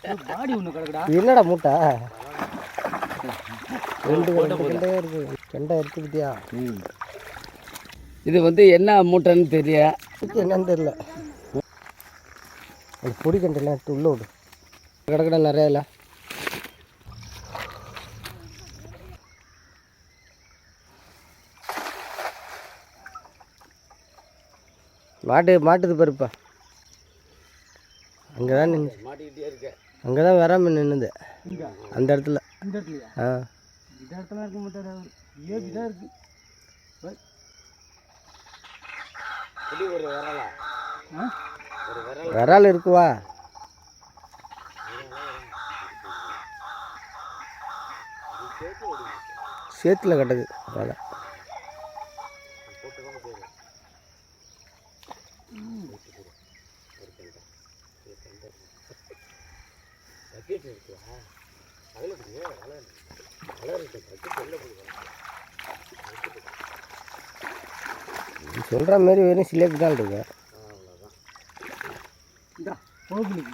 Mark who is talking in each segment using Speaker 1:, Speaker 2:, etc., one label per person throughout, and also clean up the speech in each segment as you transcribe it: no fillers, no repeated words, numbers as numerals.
Speaker 1: பாடி ஒன்று கிடக்குடா.
Speaker 2: என்னடா மூட்டை? ரெண்டு கெண்டையாக இருக்குது. கெண்டை எடுத்துக்கிட்டியா?
Speaker 1: இது வந்து என்ன மூட்டைன்னு தெரியல.
Speaker 2: என்னன்னு தெரியல. அந்த பொடி கண்டெல்லாம் எடுத்து உள்ள விடு. கிடக்கடா நிறையா இல்லை. மாட்டுது பருப்பா. அங்கே தான் நின்று
Speaker 1: மாட்டிக்கிட்டே இருக்க.
Speaker 2: அங்கே தான் வராமல் நின்றுது அந்த இடத்துல.
Speaker 1: இந்த இடத்துலையா? இந்த இடத்துல இருக்க மாட்டார். ஏபி தான் இருக்கு. ஒரு விரலா?
Speaker 2: விரால் இருக்குவா? சேத்துல கட்டது. அதான் சொல்கிற மாதிரி வெறும் சிலேபி தான் இருக்கு.
Speaker 1: கோவிலுக்கு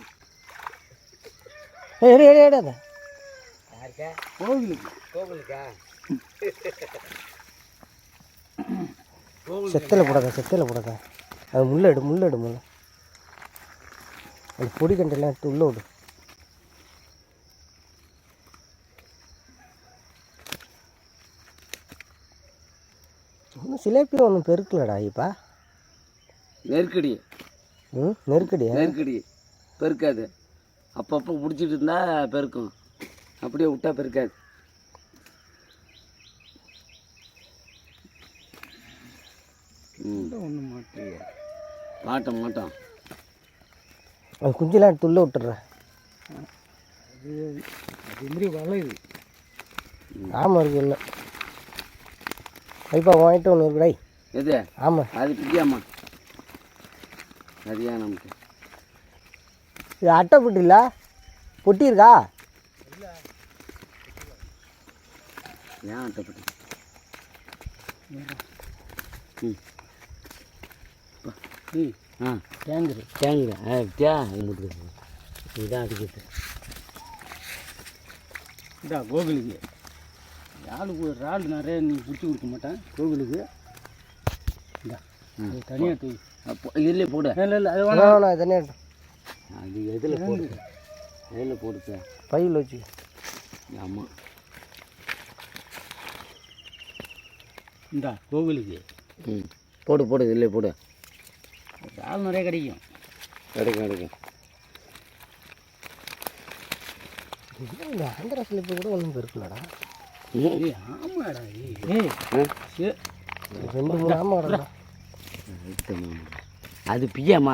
Speaker 1: கோவிலுக்கா
Speaker 2: செத்தில் போடாத. அது முள்ள எடு முள்ள அந்த பொடி கண்டெல்லாம் எடுத்து உள்ள விடு. ஒன்றும் சிலேபி ஒன்றும் பெருக்கலடா இப்பா.
Speaker 1: நெருக்கடி பெருக்காது. அப்பப்போ பிடிச்சிட்டு இருந்தா பெருக்கும். அப்படியே விட்டா பெருக்காது. ஒன்றும் மாட்டோம்.
Speaker 2: அது குஞ்செல்லாம் எடுத்து உள்ள விட்டுறேன்.
Speaker 1: அது மாதிரி வளையுது.
Speaker 2: ஆமாம் இருக்கு. இல்லை ஐப்பா வாங்கிட்டு ஒன்று இருக்குடா.
Speaker 1: எது?
Speaker 2: ஆமாம்
Speaker 1: அது பிடிக்காமா? சரியா நமக்கு
Speaker 2: இது அட்டை பொட்டி இல்லை, பொட்டி இருக்கா?
Speaker 1: ஏன் அட்டை பொட்டி?
Speaker 2: டேங்குது இதுதான் அடிக்கிறது.
Speaker 1: இதா கோவிலுக்கு இறால் நிறைய நீ பிடிச்சி கொடுக்க மாட்டேன் கோவிலுக்கு. இதா தனியாக தூய் இல்லையே போடு. இல்லை அது
Speaker 2: வேணாம் தனியாக.
Speaker 1: அது எதில் போடுச்சா?
Speaker 2: பையில் வச்சு.
Speaker 1: ஆமாம். இந்தா கோவிலுக்கு போடு இல்லையே போடு. இறால் நிறைய கிடைக்கும்.
Speaker 2: இந்த ஆந்திரா சிலிப்பு கூட ஒன்றும் பெருக்கலடா.
Speaker 1: ஆமாடா.
Speaker 2: 2-3 ஆமாடா.
Speaker 1: அது பிய்யாமா?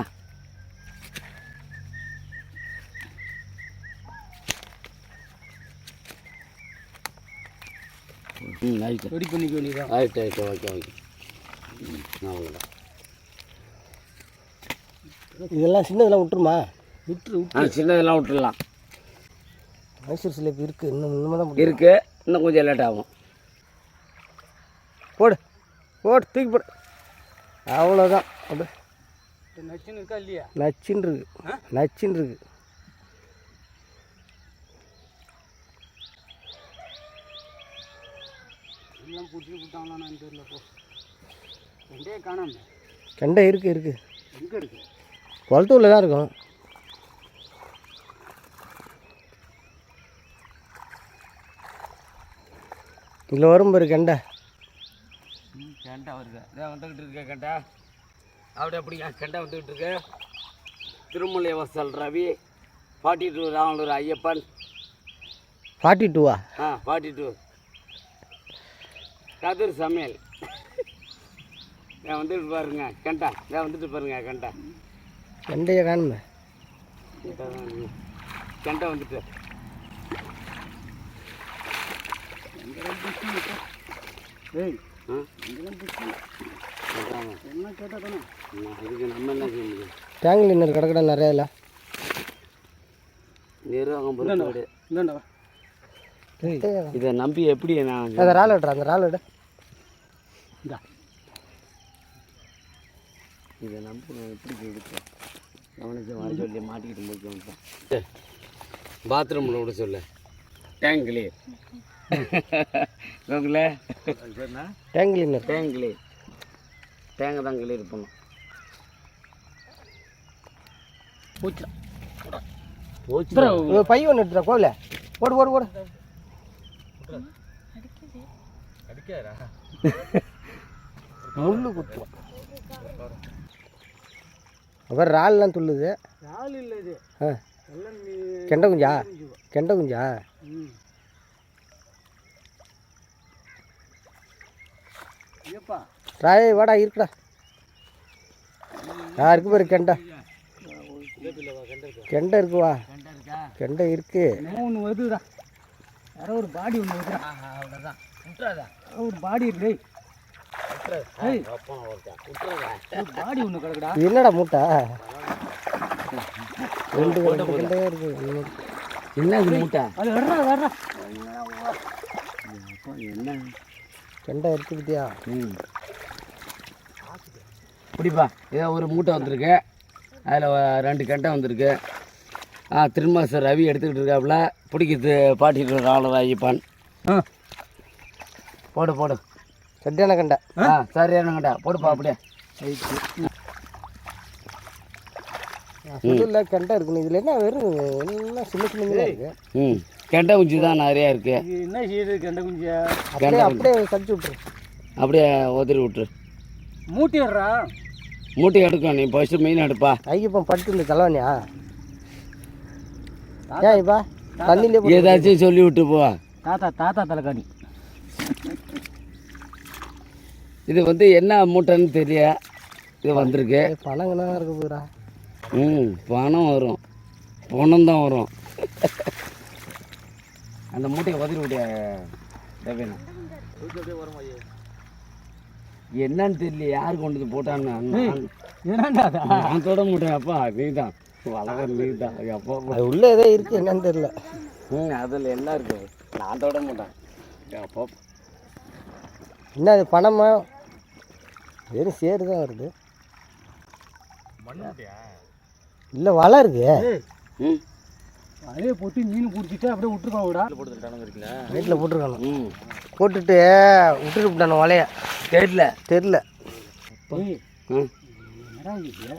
Speaker 1: ரெடி பண்ணிக்க வேண்டியதான். ஆயிட்டு ஓகே. அவ்வளோதான்.
Speaker 2: இதெல்லாம் சின்னதெல்லாம் விட்டுருமா?
Speaker 1: சின்னதெல்லாம் விட்டுடலாம்.
Speaker 2: மைசூர் சிலேபி இருக்குது. இன்னும் தான்
Speaker 1: இருக்குது. இன்னும் கொஞ்சம் லேட் ஆகும்.
Speaker 2: போடு தூக்கி போடு. அவ்வளோதான். அப்படி
Speaker 1: நச்சுன்னு இருக்கா இல்லையா?
Speaker 2: நச்சுன்னு இருக்கு.
Speaker 1: எல்லாம் பிடிச்சி விட்டாங்களான்னு தெரியல. போ கெண்டையே காணாம.
Speaker 2: கெண்டை இருக்கு.
Speaker 1: எங்கே இருக்கு?
Speaker 2: குளத்தூரில் தான் இருக்கும். இதில் வரும் பாரு கெண்டை.
Speaker 1: வருது. இதான் வந்துக்கிட்டு இருக்க கெண்டை. அப்படியா கெண்டை வந்துக்கிட்டு இருக்கு. திருமலை வசல் ரவி 42 ராமலூர் ஐயப்பன்
Speaker 2: 42வா?
Speaker 1: 42 கதிர் சமையல். வந்துட்டு பாருங்க கெண்டை.
Speaker 2: கெண்டையை காணுமே.
Speaker 1: கெண்டை வந்துட்டு என்ன கேட்டால் தானே இதுக்கு நம்ம என்ன செய்ய முடியும்?
Speaker 2: டேங்கில் இன்னொரு கடை நிறையா இல்லை.
Speaker 1: நிர்வாகம் இதை நம்பி எப்படி நான்
Speaker 2: அந்த ரால் விடுறேன். அந்த ரால் விட
Speaker 1: இதை நம்பி நான் எப்படி எடுப்பேன்? கவனிச்சு வர சொல்லி மாட்டிக்கிட்டு போய் வந்துட்டேன்.
Speaker 3: பாத்ரூமில் விட சொல்லு. Tank clear. கோகுல
Speaker 2: tank cleaner.
Speaker 3: Tank clear. Tank தான் கிளீர் பண்ணும்.
Speaker 1: போச்சு
Speaker 3: போச்சு.
Speaker 2: பை ஒன்று எடுத்துடா கோவில. ஓடு ஓடு ஓடு. முள்ளு குத்துவோம். அப்புறம் இறால்லாம் துள்ளுது.
Speaker 1: இறால் இல்லை இது.
Speaker 2: கெண்டை குஞ்சா? கெண்டை குஞ்சா?
Speaker 1: ஏப்பா
Speaker 2: ராய் வாடா இருக்குடா. இருக்கு பாரு கெண்டை. கெண்டை இருக்குவா? கெண்டை இருக்கு.
Speaker 1: ஒன்று வருதுடா. யாரோ ஒரு பாடி ஒன்று வருதுடா.
Speaker 3: அவ்வளோதான். விட்டுறாதா?
Speaker 1: ஒரு பாடி இருக்கு. பாடி ஒன்று கிடக்குடா.
Speaker 2: என்னடா மூட்டை? ரெண்டு கெண்டையே இருக்கு.
Speaker 3: என்ன இது மூட்டை?
Speaker 1: அது வர்றா வர்றா.
Speaker 3: என்ன
Speaker 2: கெண்டை இருக்கு பத்தியா?
Speaker 3: பிடிப்பா. ஏதோ ஒரு மூட்டை வந்திருக்கு. அதில் 2 கெண்டை வந்திருக்கு. திருமாசர் ரவி எடுத்துக்கிட்டு இருக்காப்புல. பிடிக்கிறது பாட்டிட்டு இருக்க ஆளர் ஐயப்பான். போடு போடு.
Speaker 2: சரியான கெண்டை.
Speaker 3: சரியான கெண்டை போடுப்பா. அப்படியே
Speaker 2: புதுல கெண்டை இருக்குன்னு. இதில் என்ன வெறும் என்ன சின்ன சின்ன இருக்கு.
Speaker 3: கெண்டை குஞ்சு தான் நிறையா இருக்கு.
Speaker 1: என்ன செய்யுது கெண்டை குஞ்சா?
Speaker 2: அப்படியே அப்படியே கடிச்சு விட்ரு.
Speaker 3: அப்படியே உதறி விட்டுரு.
Speaker 1: மூட்டி வர்றா.
Speaker 3: மூட்டை எடுக்கும். நீ ஃபஸ்ட்டு மீன் எடுப்பா.
Speaker 2: ஐயப்பன் படுத்து இந்த தலைவனியா? ஏன் இப்பா தண்ணியிலே
Speaker 3: ஏதாச்சும் சொல்லி விட்டு போ.
Speaker 1: தாத்தா தாத்தா தலைக்காணி.
Speaker 3: இது வந்து என்ன மூட்டைன்னு தெரிய இது வந்திருக்கு.
Speaker 2: பணங்கண்ணா இருக்க போகிறா.
Speaker 3: பணம் வரும். பணம் தான் வரும். அந்த மூட்டையை உதறி விட்டியா தேவையா? என்னன்னு தெரியல. யார் கொண்டு வந்து போட்டான்னு. நான் தொட மாட்டேன். அப்பா நீ தான் வளர்க்குற. நீ தான் அப்பா.
Speaker 2: அது உள்ளே ஏதோ இருக்குது என்னன்னு தெரியல.
Speaker 3: அதில் என்ன இருக்கு? நான் தொட மாட்டேன். அப்பா
Speaker 2: என்ன அது பணமா? வெறும் சேரு தான் வருது. இல்லை வலை இருக்கு.
Speaker 1: அதே போட்டு மீன் பிடிச்சிட்டு அப்படியே விட்டுருப்பாங்கடா.
Speaker 2: வீட்டில் போட்டிருக்கானு. போட்டுட்டு விட்டுட்டு விட்டானு வலைய.
Speaker 3: தெரியல
Speaker 2: தெரில.
Speaker 1: என்னடா இது?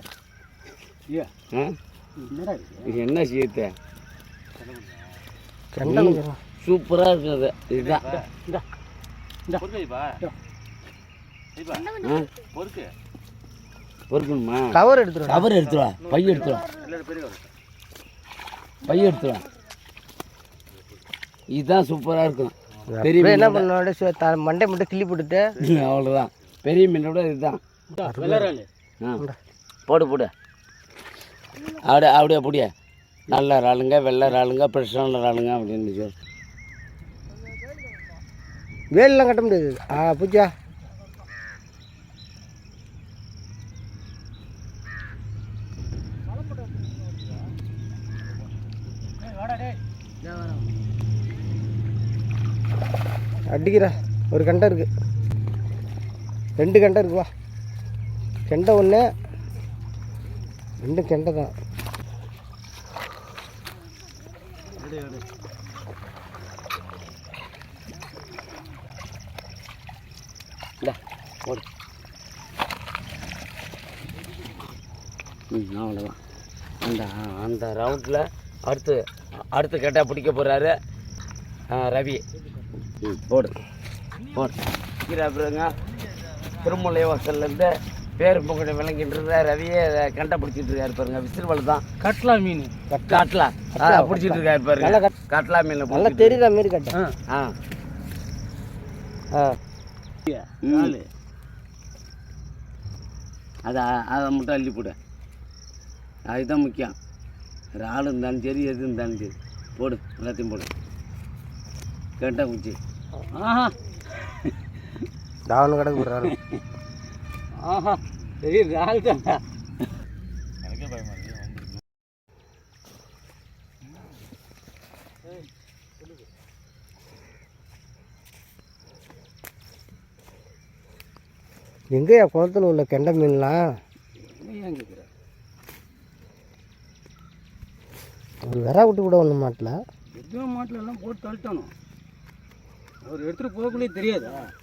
Speaker 1: என்னடா இது?
Speaker 3: என்ன செய்ய?
Speaker 2: கெண்டை
Speaker 3: சூப்பராக இருக்குது. இதுதான் பொறுக்கணுமா?
Speaker 2: கவர் எடுத்துருவா.
Speaker 3: கவர் எடுத்துருவா. பை எடுத்துருவா. பை எடுத்துருவா. இதுதான் சூப்பராக இருக்கும். பெரிய
Speaker 2: என்ன பண்ணோட மண்டை மட்டும் கிள்ளி போட்டுட்டு
Speaker 3: அவ்வளோதான். பெரிய மீனோட இதுதான். போடு போடு. அப்படியே அப்படியே அப்படியே. நல்ல இறாலுங்க, வெள்ளை இறாலுங்க, ஃப்ரெஷ்ஷான இறாலுங்க அப்படின்னு சொல்லி.
Speaker 2: வேலெலாம் கட்ட முடியாது. பூஜா அடிக்கிறா. ஒரு கண்டை இருக்கு. 2 கண்டை இருக்கு. வா கெண்டை ஒன்று. 2 கெண்டை தான்.
Speaker 3: போடு. அவ்வளோதான். அந்த அந்த ரவுண்டில் அடுத்து கேட்டால் பிடிக்க போகிறாரு ரவி. போடு போடு. அப்புறங்க திருமலை வாசல்லேருந்து பேர் பொங்கல் விளங்கிட்டு ரவியே கண்டை பிடிச்சிட்டு இருக்காரு பாருங்க. விசிறுவல் தான்.
Speaker 1: கட்லா மீன்.
Speaker 3: காட்டலா பிடிச்சிட்டு இருக்காரு பாருங்க. காட்டலா மீன்
Speaker 2: நல்லா தெரியுற மாரி கட்டை.
Speaker 3: அதை மட்டும் அள்ளி போடு. அதுதான் முக்கியம். இறால் இருந்தாலும் சரி எது இருந்தாலும் சரி போடு. எல்லாத்தையும் போடு. கேட்டா குச்சி.
Speaker 2: தாவணம் கடைக்கு போடுறாரு.
Speaker 1: பெரிய இறால் தான்.
Speaker 2: எங்கேயா குளத்துல உள்ள கெண்டை மீன்லாம்? ஒரு வெறா விட்டு கூட ஒன்றும் மாட்டல.
Speaker 1: எதுவும் மாட்டில் எல்லாம் போட்டு தள்ளிட்டானோ. அவர் எடுத்துகிட்டு போகக்குள்ளே தெரியாதா?